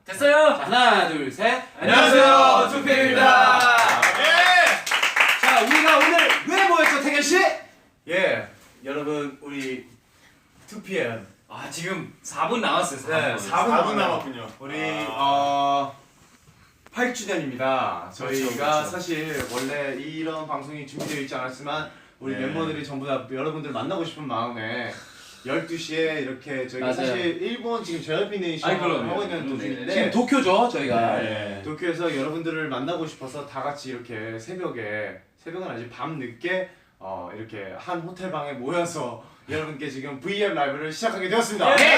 됐어요. 하나, 둘, 셋. 안녕하세요, 투피엠입니다. 자, 우리가 오늘 왜 모였죠, 태견 씨? 예, 여러분 우리 2PM 아 지금 4분 남았어요. 4분. 네, 4분 남았군요. 우리 8주년입니다. 저희가 그렇죠. 사실 원래 이런 방송이 준비되어 있지 않았지만 우리 네. 멤버들이 전부 다 여러분들 만나고 싶은 마음에 12시에 이렇게 저희가 맞아요. 사실 일본 지금 JYP 네이션 아이, 그럼요. 하고 있는 도중인데 지금 도쿄죠, 저희가. 네. 도쿄에서 여러분들을 만나고 싶어서 다 같이 이렇게 새벽은 아니지 밤 늦게 이렇게 한 호텔 방에 모여서 여러분께 지금 VM 라이브를 시작하게 되었습니다. 네.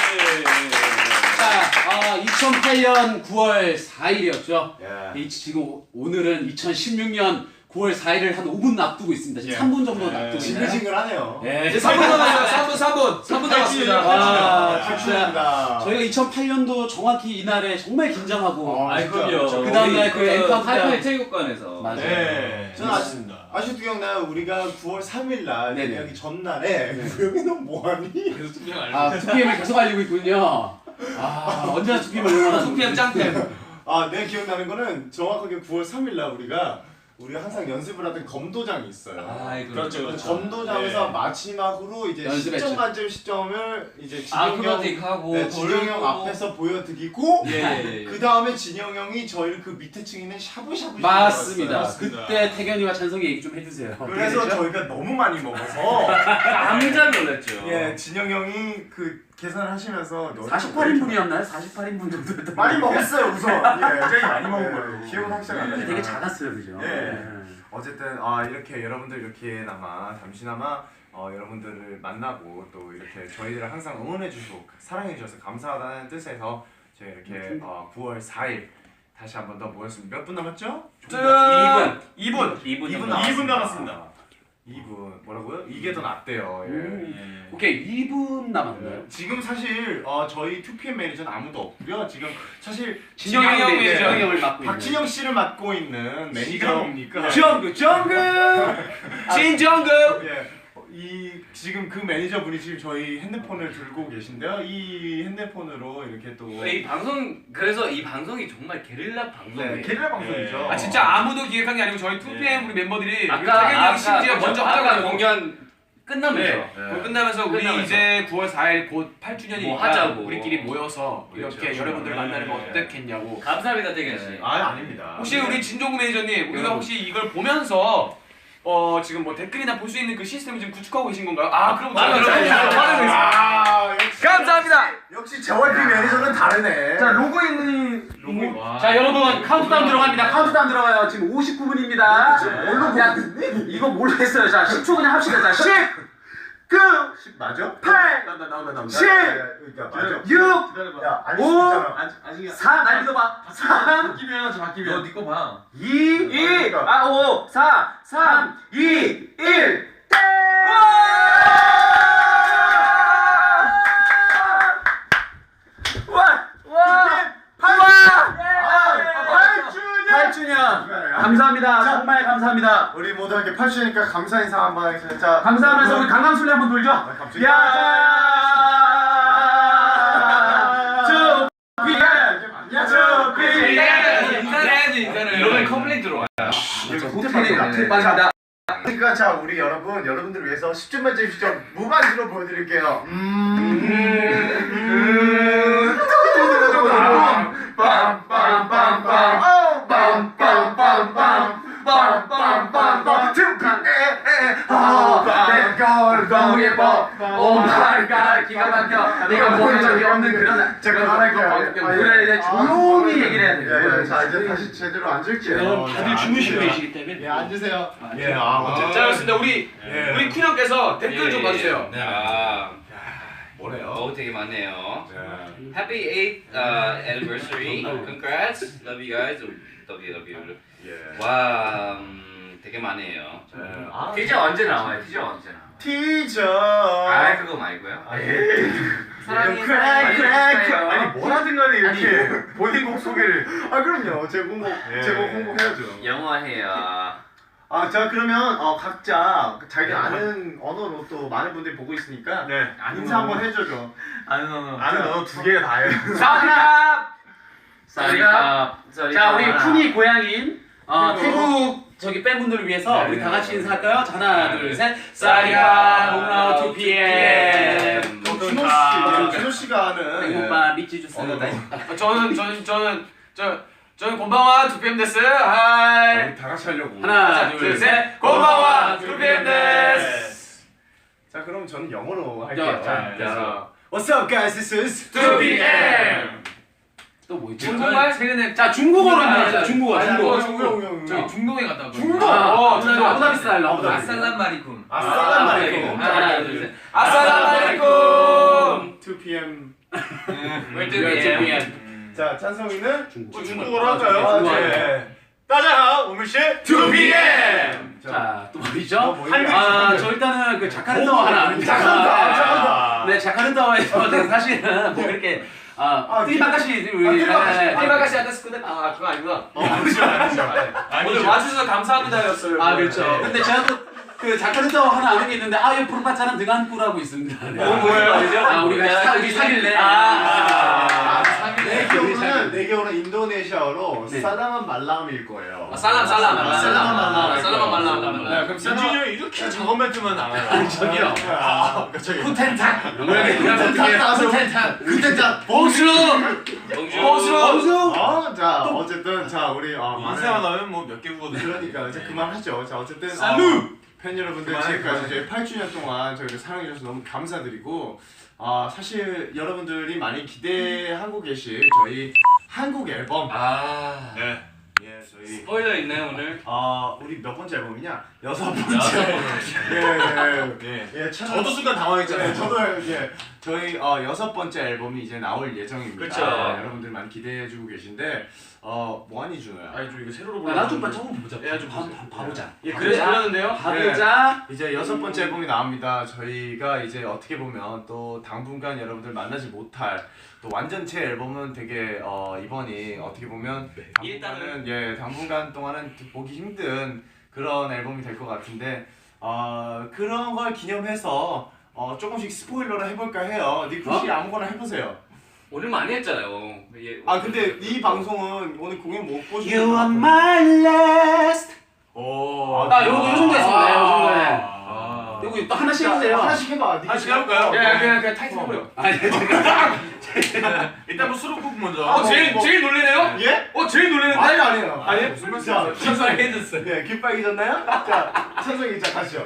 자, 2008년 9월 4일이었죠. 예. 지금 오늘은 2016년 9월 4일을 한 5분 앞두고 있습니다. 지금 예. 3분 정도 앞두고 있네요. 징글징글하네요. 예. 이제 3분 남았어요. 3분 남았습니다. 아, 진짜 저희가 2008년도 정확히 이날에 정말 긴장하고 아, 그럼요. 그 다음날 그 엠카운트 하이파이 체육관에서. 맞아요. 네. 저는 맞습니다. 아직도 기억나요. 우리가 9월 3일 날 네네. 데뷔하기 전날에 구영이 너 뭐하니? 계속 투피엠 알고. 아, 2PM을 계속 알리고 있군요. 아, 언제나 2PM을 응원하는 투피엠 짱팬. 내가 기억나는 거는 정확하게 9월 3일 날 우리가 항상 연습을 하던 검도장이 있어요. 그렇죠. 검도장에서 네. 마지막으로 이제 연습했죠. 시점 관점 시점을 이제 아크로바틱 하고. 네, 진영 형 앞에서 보여드리고 예. 그 다음에 진영 형이 저희를 그 밑에 층에 있는 샤브샤브 맞습니다. 맞습니다. 그때 태견이와 찬성이 얘기 좀 해주세요. 그래서 어떻게 됐죠? 저희가 너무 많이 먹어서 깜짝 놀랐죠. 예, 진영 형이 그 계산을 하시면서 48인분이었나요? 48인분 정도였던 많이 것 같아요. 먹었어요 우선. 예, 굉장히 많이 먹은 걸로. 기억은 확실히 안 근데 나요. 되게 작았어요, 그죠? 예. 어쨌든 이렇게 여러분들 이렇게나마 잠시나마 여러분들을 만나고 또 이렇게 저희들을 항상 응원해 주시고 사랑해 주셔서 감사하다는 뜻에서 저희 이렇게 9월 4일 다시 한 번 더 모였습니다. 몇 분 남았죠? 2분 남았습니다. 2분 뭐라고요? 이게 더 낫대요. 예. 오케이, 2분 남았나요? 지금 사실 저희 2PM 매니저는 아무도 없고요. 지금 사실 진영이 형이 네, 진영이 형을 맡고 있는. 박진영 씨를 맡고 있는 매니저 뭡니까? 정글 진정글. 예. 지금 그 매니저분이 지금 저희 핸드폰을 들고 계신데요. 이 핸드폰으로 이렇게 또 이 방송 그래서 이 방송이 정말 게릴라 방송이에요. 네, 게릴라 방송이죠. 아 진짜 아무도 기획한 게 아니고 저희 2PM 우리 멤버들이 아까 태균이 형 심지어 그렇죠. 먼저 아까 하자고 공연 끝나면서. 네. 그거 끝나면서 우리 끝나면서. 이제 9월 4일 곧 8주년이니까 뭐 하자고. 우리끼리 모여서 그렇죠. 이렇게 여러분들 만나는 거 네. 어떻겠냐고. 감사합니다, 태균 씨. 아닙니다. 혹시 우리 진종구 매니저님 우리가 네. 혹시 이걸 보면서 지금 뭐 댓글이나 볼 수 있는 그 시스템을 지금 구축하고 계신 건가요? 그럼 맞아요. 저희가 맞아요. 역시 감사합니다. 역시 JYP 매니저는 다르네. 자 로그인이 자, 여러분 카운트다운 들어갑니다. 카운트다운 들어가요. 지금 59분입니다. 뭘로 야, 보겠니? 이거 모르겠어요. 자, 10초 그냥 합시다. 자, 10, 9, 맞아? 8, 나온다. 7, 그러니까 맞아. 6, 야, 아닐 오! 수 있잖아. 아직 4, 날 믿어봐. 3, 바뀌면 바뀌면 니거 봐. 2, 그러니까. 5, 4, 3, 2, 1, 땡! 아, 8주년! 감사합니다. 정말 감사합니다. 우리 모두 함께 8주니까 감사 인사 한번 하겠습니다. 자, 감사하면서 우리 강강술래 한번 돌죠. 갑자기. 인사해야지 인사를. 이러면 컴플레인 들어와. 호텔이 호텔 빠집니다. 그러니까 자 우리 여러분들을 위해서 10점 만점 10점 무반주로 보여드릴게요. 너무 예뻐. 오 마이 갓, 기가 막혀. 내가 보는 적이 없는 그런. 제가 말할게요. 그래, 이제 조용히 얘기를 해야 돼요. 자 이제 다시 제대로 앉을게요. 여러분 다들 주무시고 계시기 때문에. 예 앉으세요. 예 자 그렇습니다. 우리 군 형께서 댓글 좀 봐주세요. 뭐래요? 되게 많네요. Happy 8th anniversary. Congrats. Love you guys. Love you. 와, 되게 많네요. 티저 언제 나와요? 티저 언제 나와? 티저. 그거 말고요. 사랑해. 아니 뭐라든 간에 이렇게 본인 곡 소개를. 그럼요. 제 곡 홍보해야죠. 영어해요. 자 그러면 각자 자기 아는 언어로 또 많은 분들이 보고 있으니까 인사 한번 해줘죠. 아는 언어. 아는 언어 두 개가 다예요. 사디캅 저희가 자 우리 쿤이 고향인 태국 저기 팬분들을 위해서 우리 다 같이 인사할까요? 자, 하나 둘 셋. 사리가 홈라우 2PM. 준호 씨가 하는 태국바 미치 주스. 저는 곤방와 2PM 데스. 하이. 우리 다 같이 하려고. 하나 둘 셋. 곤방와 2PM 데스. 자 그럼 저는 영어로 할게요. 자, What's up guys? This is 2PM. 또 뭐 있지? 중국말 세계는 자 중국어로 해보자. 중국어. 저희 중동에 갔다 왔거든요. 중동. 아부다비 스타일로. 아살람 마리쿰. 아싸란 말이고. 하나 둘 셋. 아살람 마리쿰. 2PM. 왜 2PM. 자 찬성이는 중국어로 할까요? 네. 따자하 오물씨 2PM. 자, 또 뭐죠? 한글. 저 일단은 그 자카르타와 하나. 자카르타. 네, 자카르타와에서 사실은 뭐 그렇게 띠바가시 우리 띠바가시 아데스쿠데 그거 아니구나. 오늘 와주셔서 감사합니다였어요. 그렇죠. 근데 제가 또 그 자카르타와 하나 아는 게 있는데 이 프로파차는 등한꾸라고 있습니다. 네. 뭐예요? 우리가 우리 사귈래. 내 기억으로는 인도네시아어로 네. 사다만 말람일 거예요. 살람. 그럼 민준이 형이 이렇게 작업 멘트만 나와요. 저기요. 저기. 쿠텐탁. 그때자 봉수. 자 어쨌든 자 우리 인사만 하면 뭐 몇 개 구거든요. 그러니까 이제 그만하죠. 자 어쨌든 팬 여러분들 그만할 지금까지 저희 8주년 동안 저희를 사랑해주셔서 너무 감사드리고 사실 여러분들이 많이 기대하고 계실 저희 한국 앨범 네. 예 저희 스포일러 있나요 오늘? 우리 몇 번째 앨범이냐? 6번째. 예. 저도 순간 당황했잖아요. 네, 저도 저희 6번째 앨범이 이제 나올 예정입니다. 그쵸. 여러분들 많이 기대해주고 계신데 뭐하니 준호야? 아니 좀 이거 새로 나좀 처음 보자. 좀 봐보자. 예, 그래서 그러는데요. 봐보자. 이제 6번째 앨범이 나옵니다. 저희가 이제 어떻게 보면 또 당분간 여러분들 만나지 못할 또 완전체 앨범은 되게 이번이 어떻게 보면 당분간 동안은 보기 힘든 그런 앨범이 될 것 같은데 그런 걸 기념해서 조금씩 스포일러를 해볼까 해요. 니쿠 씨 아무거나 해보세요. 오늘 많이 했잖아요. 근데 이 방송은 오늘 공연 못 보시는 You are my last. 오. 요 정도 했습니다. 요 정도에. 이거 또 하나씩 해주세요. 하나씩 해봐. 하나씩 해볼까요? 그냥 타이틀 해버려. 일단 뭐 수록곡 먼저. 제일 놀래네요? 예? 제일 놀래는데? 아니에요. 아니 무슨 말씀? 자, 긴장해졌어요. 네, 깃 빨개졌나요? 자, 찬성이 자 가시죠.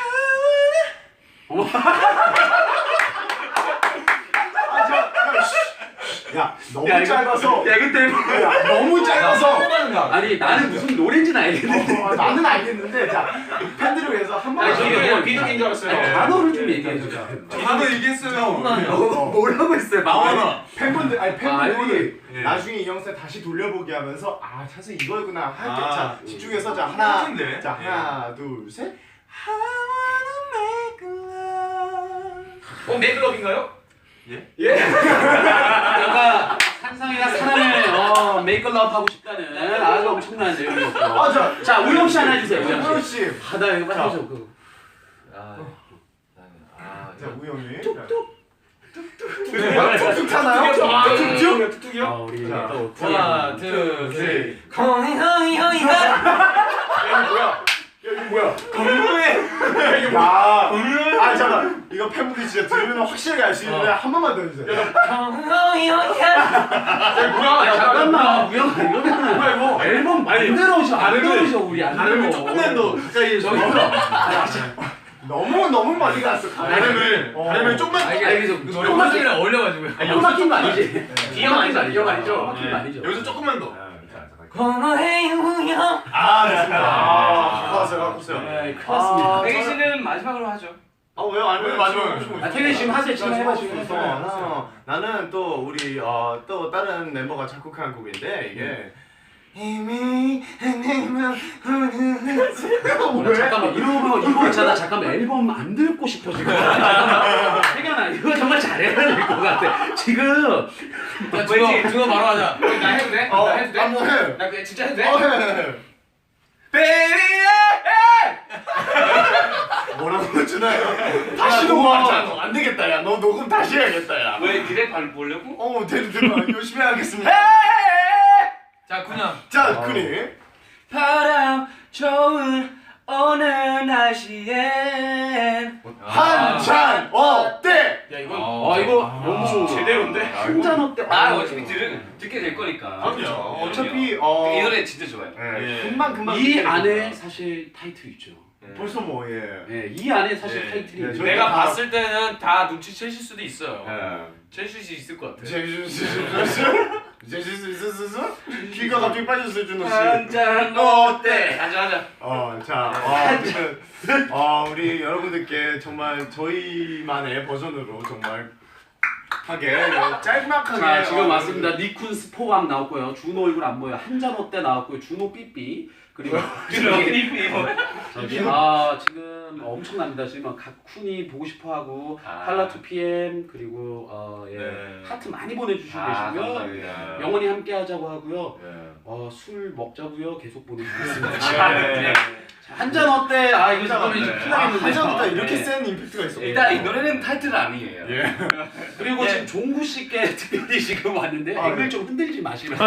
야, 너무 짧아서. 너무 짧아서. 아니 나는 무슨 노래인지는 알겠는데. 나는 알겠는데, 자, 팬들을 위해서 한 번. 저기 비둘기인 줄 알았어요. 단어를 좀 얘기해 주자. 단어 얘기했어요. 뭐라고 했어요? 나와라. 팬분들이 알고 나중에 이 영상 다시 돌려보기 하면서 찬성 이거구나 할 때 자 집중해서 자 똑같은데? 자 하나 둘 셋. 메이크업인가요? 그러니까 상상이나 사랑을 메이크업 하고 싶다는 아주 엄청난 내용이었고. 자 우영 씨 하나 해주세요. 우영 우영 씨. 씨. 나 이거 빨리 해줘. 자 우영이. 뚝뚝. 툭툭 타나요? 툭툭이요? 우리 자, 또 하나, 둘, 셋. 잠깐 이거 팬분들이 진짜 들으면 확실하게 알 수 있는데 한 번만 더 해주세요. 잠깐만 우영아 이러면 앨범 만들어 오셔. 안 들어오셔 우리 안 들어. 조금만 더 가까이 저기. 너무 많이 갔어. 발음을 조금만. 알겠어. 조금만이랑 어울려가지고요. 형 막힌 거 아니지? 기억 아니죠? 기억 아니죠? 막힌 거 아니죠? 여기서 조금만 더. 갖고 왔어요. 그렇습니다. 태기 씨는 마지막으로 하죠. 왜요? 아니면 마지막에. 태균 지금 하세요. 지금 해봐 지금. 나는 또 우리 또 다른 멤버가 작곡한 곡인데 이게 이미 잠깐만 이거 있잖아. 잠깐만 앨범 안 듣고 싶어 지금. 잠깐만 태균아 이거 정말 잘해야 될 것 같아. 지금 그거 바로 하자. 나 해도 돼? 나 해도 돼? 한번 해. 나 그냥 진짜 해도 돼? 해. Baby, 뭐라고 주나요? 다시 녹음하자. 안 되겠다 야. 너 녹음 다시 해야겠다 야. 왜 그래 발 보려고? 되는 열심히 하겠습니다. 자 그냥 자, 쿤이. 바람 좋은 오늘 날씨엔 한잔 어때? 야 이건 이거 너무 제대로인데? 한잔 어때? 어차피 듣게 될 거니까. 그럼요. 어차피 이 노래 진짜 좋아요. 예. 금방 이 안에 사실 타이틀 있죠. 벌써 뭐 예. 예, 이 안에 사실 예. 타이틀이 예, 있죠. 저희- 내가 봤을 때는 다 눈치채실 수도 있어요. 예. 채실 수 있을 것 같아. 제시스 귀가 갑자기 빠졌어요, 준호 씨. 한잔 어때? 하자. 자, 어쨌든 우리 여러분들께 정말 저희만의 버전으로 정말 하게 짤막하게. 자, 지금 왔습니다. 니쿤 스포감 나왔고요. 준호 얼굴 안 보여. 한잔 어때 나왔고요. 준호 삐삐. 그리고 저기 지금 엄청납니다. 지금 각쿤이 보고 싶어하고 할라 2PM 그리고 네. 하트 많이 보내주시고 계시고요. 감사합니다. 영원히 함께하자고 하고요. 예. 술 먹자고요. 계속 보내주고 있습니다. 네. 한잔 어때? 이거 잠깐만 이제 큰일 나겠는데. 한잔부터 이렇게 센 임팩트가 있어. 일단 이 노래는 타이틀 아니에요. 그리고 지금 종구 씨께 특별히 지금 왔는데 앵글 좀 흔들지 마시라.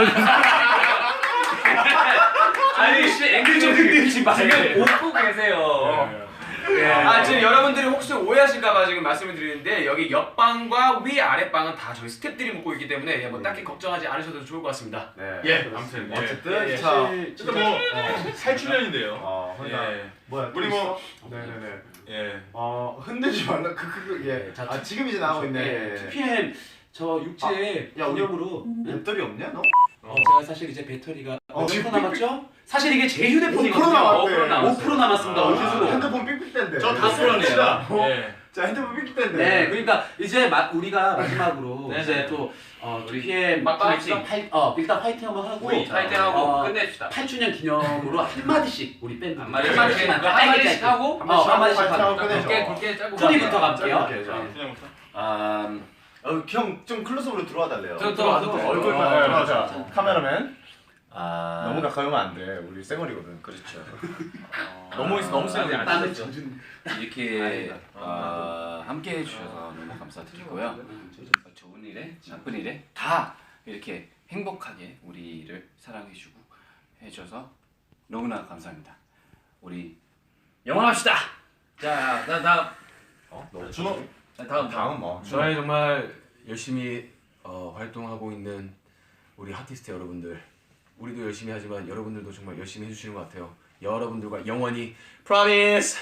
아니 씨 앵글 좀 흔들지 마세요. 지금 웃고 계세요. 지금 여러분들이 혹시 오해하실까봐 지금 말씀을 드리는데 여기 옆방과 위 아랫방은 다 저희 스태프들이 묵고 있기 때문에 뭐 딱히 걱정하지 않으셔도 좋을 것 같습니다. 네. 예. 아무튼 어쨌든 예. 자, 일단 뭐 8주년인데요. 예. 뭐야? 우리 뭐 네네네. 예. 흔들지 말라. 예. 자, 지금 이제 나오고 있네. 2PM 저 육지에 야, 우리- 기념으로 배터리 없냐 너? 제가 사실 이제 배터리가 몇 프로 남았죠? 사실 이게 제 5% 휴대폰이거든요. 남았대. 5% 남았습니다. 어디서? 핸드폰 삑삑댄데. 저 다 풀어내요. 예. 자, 핸드폰 삑삑댄데. 네, 그러니까 이제 우리가 마지막으로 네, 이제 네. 또 2PM 막 파이팅. 일단 파이팅 한번 하고 우리 파이팅하고 끝냅시다. 8주년 기념으로 한 마디씩 우리 밴드 한 마디씩 하고 한 마디씩 파이팅 하고 하고 끝내죠. 굵게 짧고 쿠니부터 갈게요. 짧게, 자. 그냥부터. 형 좀 클로즈업으로 들어와 달래요. 또 와도 돼. 얼굴만 들어가자. 자. 카메라맨. 너무 가까이 오면 안 돼. 우리 쌩얼이거든. 그렇죠. 너무 세게 안 나는 쳤죠. 이렇게 함께 해주셔서 너무 감사드리고요. 좋은 일에 나쁜 일에 다 이렇게 행복하게 우리를 사랑해주고 해줘서 너무나 감사합니다. 우리 영원합시다. 자, 다음. 준호. 다음 뭐. 저희 정말 열심히 활동하고 있는 우리 아티스트 여러분들, 우리도 열심히 하지만 여러분들도 정말 열심히 해주시는 것 같아요. 여러분들과 영원히 Promise.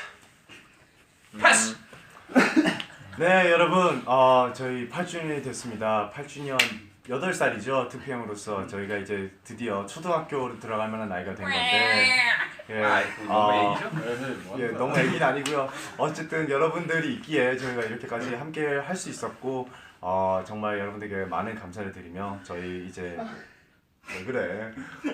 Press. 네, 여러분. 저희 8주년이 됐습니다. 8주년 8살이죠. 2PM으로서 저희가 이제 드디어 초등학교로 들어갈 만한 나이가 된 건데. 예. 너무 애기죠? 예, 너무 애기는 아니고요. 어쨌든 여러분들이 있기에 저희가 이렇게까지 함께 할 수 있었고 정말 여러분들께 많은 감사를 드리며 저희 이제 왜 그래?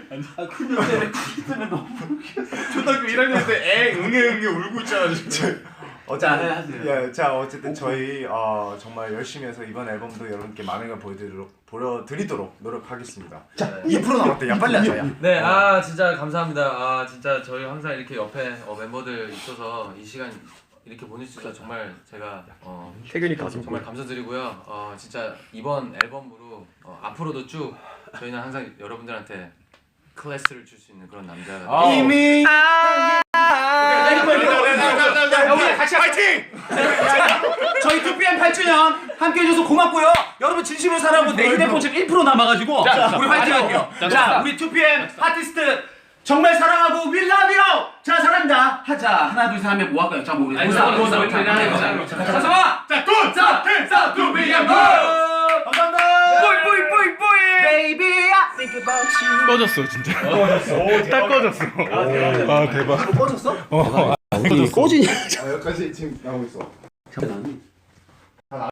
초등학교 1학년 때 응애 울고 있잖아 지금. 어쨌든 저희 정말 열심히 해서 이번 앨범도 여러분께 많은 걸 보여드리도록 노력하겠습니다. 자, 2% 남았대. 야, 빨리 하자. 야. 네, 진짜 감사합니다. 진짜 저희 항상 이렇게 옆에 멤버들 있어서 이 시간 이렇게 보낼 수 있어서 정말 제가 태균이 가슴 정말 감사드리고요. 진짜 이번 앨범으로 앞으로도 쭉 저희는 항상 여러분들한테 클래스를 줄 수 있는 그런 남자가 이미 우리 같이 파이팅! 저희 2PM 8주년 함께 해줘서 고맙고요. 여러분 진심으로 사랑하고 내 휴대폰 지금 1% 남아가지고 우리 파이팅 할게요. 자, 우리 2PM 아티스트 정말 사랑하고 We love you! 자, 사랑합니다. 하자. 하나, 둘, 셋 하면 뭐 할까요? 자, 우리 자, 자, 2PM 감사합니다. 뿌이 Baby I think about you. 꺼졌어 진짜. 딱 꺼졌어. 대박. 꺼졌어? 꺼지냐? 여기까지 지금 나오고 있어. 나는